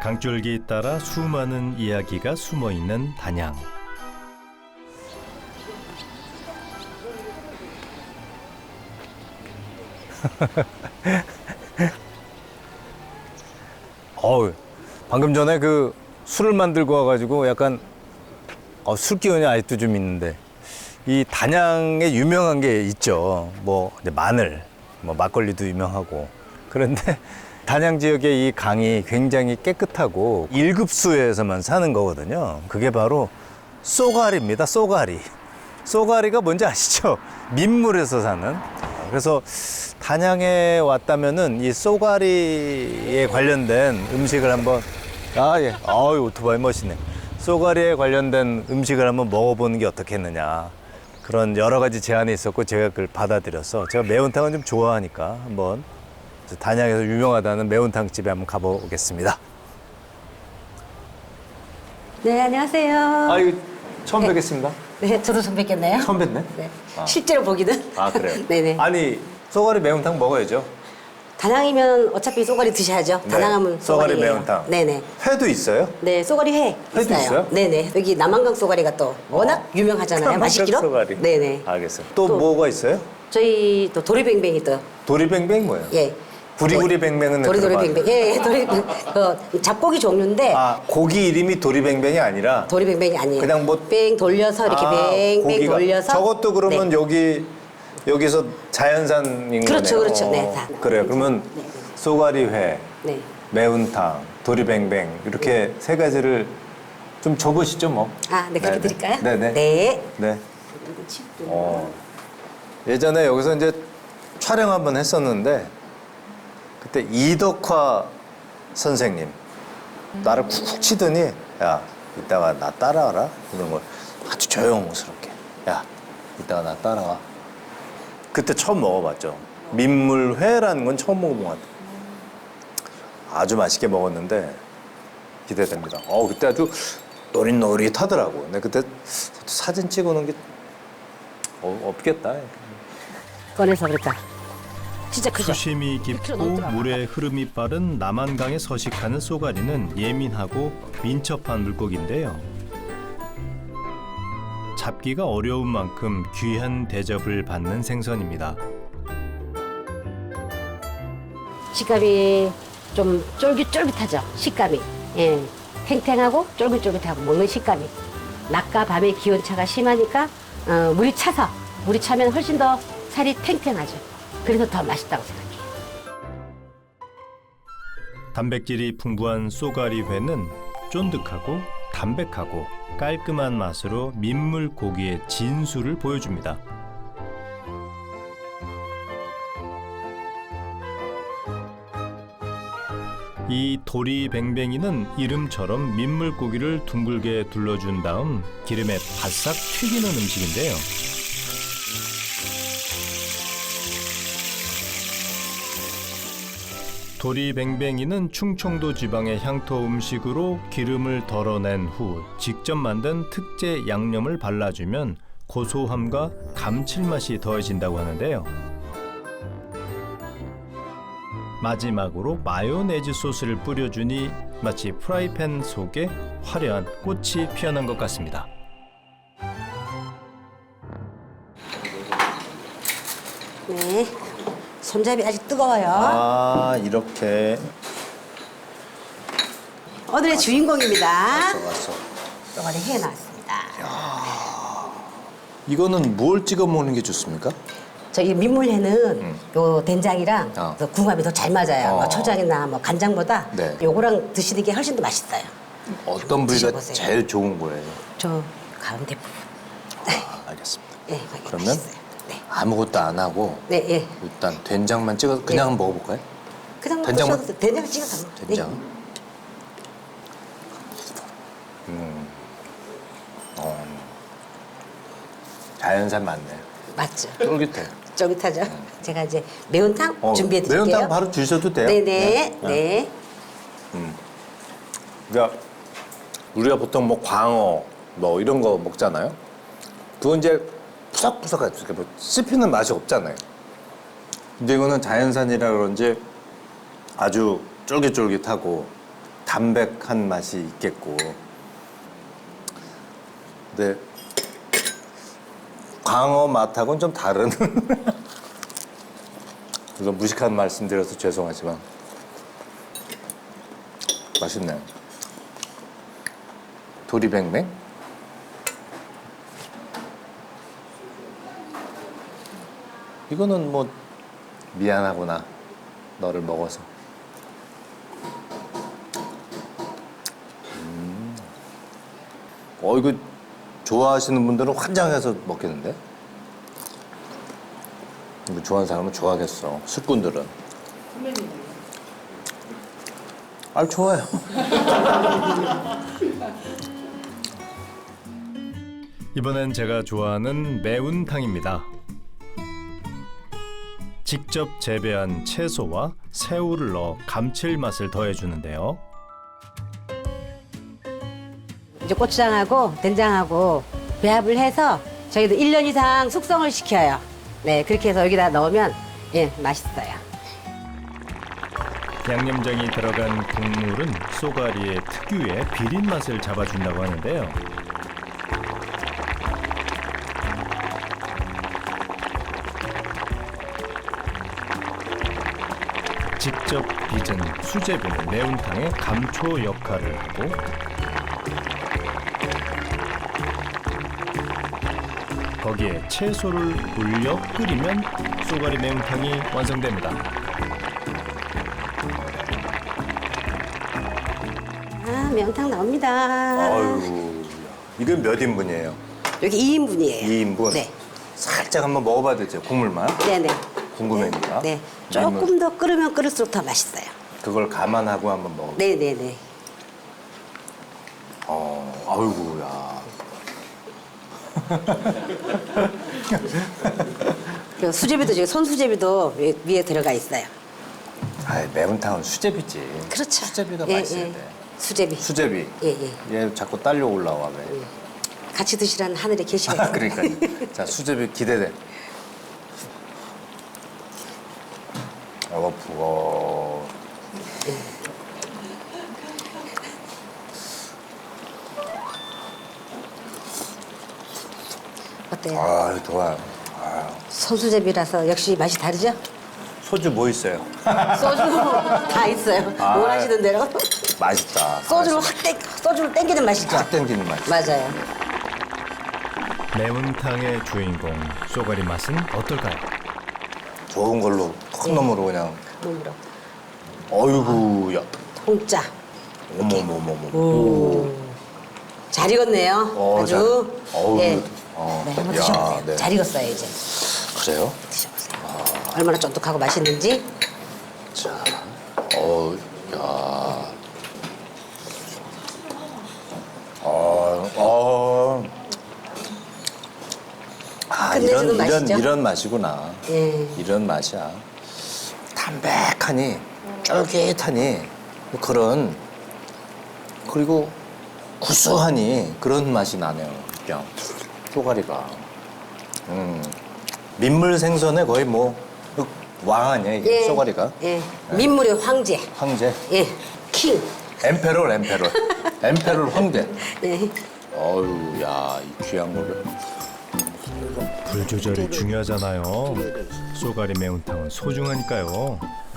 강줄기 따라 수많은 이야기가 숨어 있는 단양. 방금 전에 그 술을 만들고 와가지고 약간 술 기운이 아직도 좀 있는데 이 단양에 유명한 게 있죠. 뭐 이제 마늘, 뭐 막걸리도 유명하고 그런데 단양 지역의 이 강이 굉장히 깨끗하고 1급 수에서만 사는 거거든요. 그게 바로 쏘가리입니다. 쏘가리. 쏘가리가 뭔지 아시죠? 민물에서 사는. 그래서 단양에 왔다면은 이 쏘가리에 관련된 음식을 한번 오토바이 멋있네. 쏘가리에 관련된 음식을 한번 먹어보는 게 어떻겠느냐. 그런 여러 가지 제안이 있었고 제가 그걸 받아들여서 제가 매운탕은 좀 좋아하니까 한번 단양에서 유명하다는 매운탕 집에 한번 가보겠습니다. 네, 안녕하세요. 이거 처음 뵙겠습니다. 네, 저도 처음 뵙겠네요. 처음 뵙네. 네. 실제로 보기는. 그래요? 네네. 아니 쏘가리 매운탕 먹어야죠. 단양이면 어차피 쏘가리 드셔야죠. 네, 단양하면 쏘가리 쏘가리예요. 매운탕. 네네. 회도 있어요? 네, 쏘가리 회 회도 있어요? 네네. 여기 남한강 쏘가리가 또 워낙 유명하잖아요. 맛있기로. 쏘가리. 네네. 알겠어요. 또 뭐가 있어요? 저희 또 도리뱅뱅이 또. 도리뱅뱅 뭐예요? 예. 부리부리뱅뱅은 도리뱅뱅. 예, 도리뱅뱅. 그 잡고기 종류인데 고기 이름이 도리뱅뱅이 아니라 도리뱅뱅이 아니에요. 그냥 뭐 뺑 돌려서 이렇게 뱅뱅 고기가. 돌려서. 저것도 그러면 네. 여기서 자연산인 그렇죠, 거네요. 그렇죠. 네, 다. 그래요. 그러면 네. 쏘가리회, 네. 매운탕, 도리뱅뱅 이렇게 세 가지를 좀 줘보시죠 뭐. 네, 그렇게 드릴까요? 네네. 네. 네. 예전에 여기서 이제 촬영 한번 했었는데 그때 이덕화 선생님 나를 쿡쿡 치더니 야 이따가 나 따라와라 이런 걸 아주 조용스럽게 야 이따가 나 따라와. 그때 처음 먹어봤죠. 민물회라는 건 처음 먹어본 것 같아요. 아주 맛있게 먹었는데 기대됩니다. 그때 아주 노릿노릿하더라고. 근데 그때 사진 찍어놓은 게 없겠다. 꺼내서 그럴까? 진짜 크죠? 수심이 깊고 물의 흐름이 빠른 남한강에 서식하는 쏘가리는 예민하고 민첩한 물고기인데요. 잡기가 어려운 만큼 귀한 대접을 받는 생선입니다. 식감이 좀 쫄깃쫄깃하죠. 식감이. 예. 탱탱하고 쫄깃쫄깃하고 먹는 식감이. 낮과 밤의 기온차가 심하니까 물이 차면 훨씬 더 살이 탱탱하죠. 그래서 더 맛있다고 생각해요. 단백질이 풍부한 쏘가리회는 쫀득하고 담백하고 깔끔한 맛으로 민물 고기의 진수를 보여줍니다. 이 도리뱅뱅이는 이름처럼 민물고기를 둥글게 둘러준 다음 기름에 바싹 튀기는 음식인데요. 도리뱅뱅이는 충청도 지방의 향토 음식으로 기름을 덜어낸 후 직접 만든 특제 양념을 발라주면 고소함과 감칠맛이 더해진다고 하는데요. 마지막으로 마요네즈 소스를 뿌려주니 마치 프라이팬 속에 화려한 꽃이 피어난 것 같습니다. 네. 손잡이 아직 뜨거워요. 이렇게. 오늘의 주인공입니다. 왔어. 쏘가리 회 나왔습니다. 이거는 뭘 찍어 먹는 게 좋습니까? 저희 민물회는 요 된장이랑 그 궁합이 더 잘 맞아요. 뭐 초장이나 뭐 간장보다 네. 요거랑 드시는 게 훨씬 더 맛있어요. 어떤 부위가 드셔보세요. 제일 좋은 거예요? 저 가운데 부분. 알겠습니다. 네, 그러면 맛있어요. 네. 아무것도 안 하고 네, 예. 일단 된장만 찍어서 그냥 한번 먹어볼까요? 그냥 된장만- 드셔도 돼요. 된장 찍어서. 된장. 네. 자연산 맞네. 맞죠. 쫄깃해. 쫄깃하죠. 제가 이제 매운탕 준비해 드릴게요. 매운탕 바로 주셔도 돼요? 네네. 네. 그러니까 우리가 보통 뭐 광어 뭐 이런 거 먹잖아요. 그건 이제 푸석푸석하죠. 이렇게 뭐 씹히는 맛이 없잖아요. 근데 이거는 자연산이라 그런지 아주 쫄깃쫄깃하고 담백한 맛이 있겠고. 근데 광어 맛하고는 좀 다른. 그래서 무식한 말씀드려서 죄송하지만 맛있네. 도리뱅뱅? 이거는 뭐 미안하구나. 너를 먹어서. 이거 좋아하시는 분들은 환장해서 먹겠는데? 이거 좋아하는 사람은 좋아하겠어. 술꾼들은. 아, 좋아요. 이번엔 제가 좋아하는 매운탕입니다. 직접 재배한 채소와 새우를 넣어 감칠맛을 더해주는데요. 이제 고추장하고 된장하고 배합을 해서 저희도 1년 이상 숙성을 시켜요. 네, 그렇게 해서 여기다 넣으면 예, 맛있어요. 양념장이 들어간 국물은 쏘가리의 특유의 비린 맛을 잡아준다고 하는데요. 직접 빚은 수제비는 매운탕의 감초 역할을 하고 거기에 채소를 올려 끓이면 쏘가리 매운탕이 완성됩니다. 아, 매운탕 나옵니다. 아유, 이건 몇 인분이에요? 여기 2인분이에요. 2인분? 네. 살짝 한번 먹어봐도 되죠? 국물만? 네네. 궁금하니까. 네. 조금 더 끓으면 끓을수록 더 맛있어요. 그걸 감안하고 한번 먹어볼게요. 네네네. 아이고야. 그 수제비도 저기 손수제비도 위에 들어가 있어요. 아, 매운탕은 수제비지. 그렇죠. 수제비가 예, 맛있어야 예. 돼. 수제비. 수제비. 예. 얘 자꾸 딸려 올라와 왜? 같이 드시라는 하늘에 계시가 있어요. 그러니까. 자, 수제비 기대돼. 부어. 어때요? 아, 좋아. 손수제비라서 역시 맛이 다르죠? 소주 뭐 있어요? 소주 다 있어요. 아. 원하시는 대로. 맛있다. 소주를 땡기는 맛이죠? 확 땡기는 맛. 맞아요. 매운탕의 주인공 쏘가리 맛은 어떨까요? 좋은 걸로 턱 너머로 그냥. 몸으로. 어이구야. 통짜. 어머머머머. 잘 익었네요. 아주. 어우. 네. 어. 네, 한번 야, 드셔보세요. 네. 잘 익었어요, 이제. 그래요? 드셔보세요. 얼마나 쫀득하고 맛있는지. 자, 야. 끝내주는 맛이죠? 이런 맛이구나. 예. 이런 맛이야. 담백하니, 쫄깃하니, 그런, 그리고 구수하니 그런 맛이 나네요. 그냥, 쏘가리가. 민물 생선에 거의 뭐, 왕 아니야, 이게 쏘가리가? 예. 민물의 황제. 황제. 예. 킹. 엠페롤. 엠페롤 황제. 예. 어유, 야, 이 귀한 거를. 불 조절이 중요하잖아요. 쏘가리 매운탕은 소중하니까요.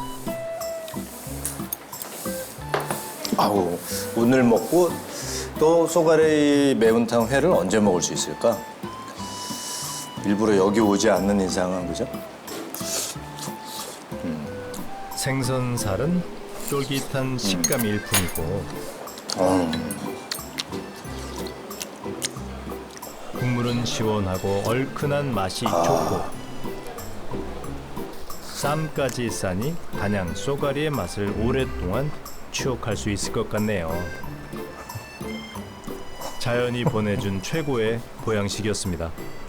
아우, 오늘 먹고 또 쏘가리 매운탕 회를 언제 먹을 수 있을까? 일부러 여기 오지 않는 이상은, 그죠? 생선살은 쫄깃한 식감이 일품이고 국물은 시원하고 얼큰한 맛이 좋고 쌈까지 싸니 단양 쏘가리의 맛을 오랫동안 추억할 수 있을 것 같네요. 자연이 보내준 최고의 보양식이었습니다.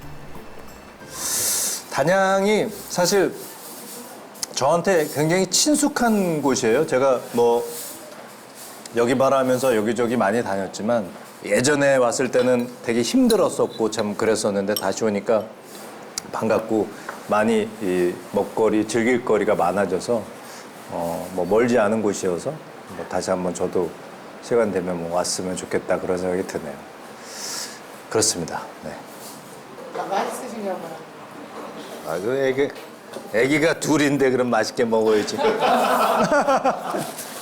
단양이 사실 저한테 굉장히 친숙한 곳이에요. 제가 뭐 여기 바라면서 여기저기 많이 다녔지만 예전에 왔을 때는 되게 힘들었었고 참 그랬었는데 다시 오니까 반갑고 많이 이 먹거리, 즐길 거리가 많아져서 뭐 멀지 않은 곳이어서 뭐 다시 한번 저도 시간 되면 뭐 왔으면 좋겠다 그런 생각이 드네요. 그렇습니다. 네. 맛있으신가 봐요. 그 애기가 둘인데 그럼 맛있게 먹어야지.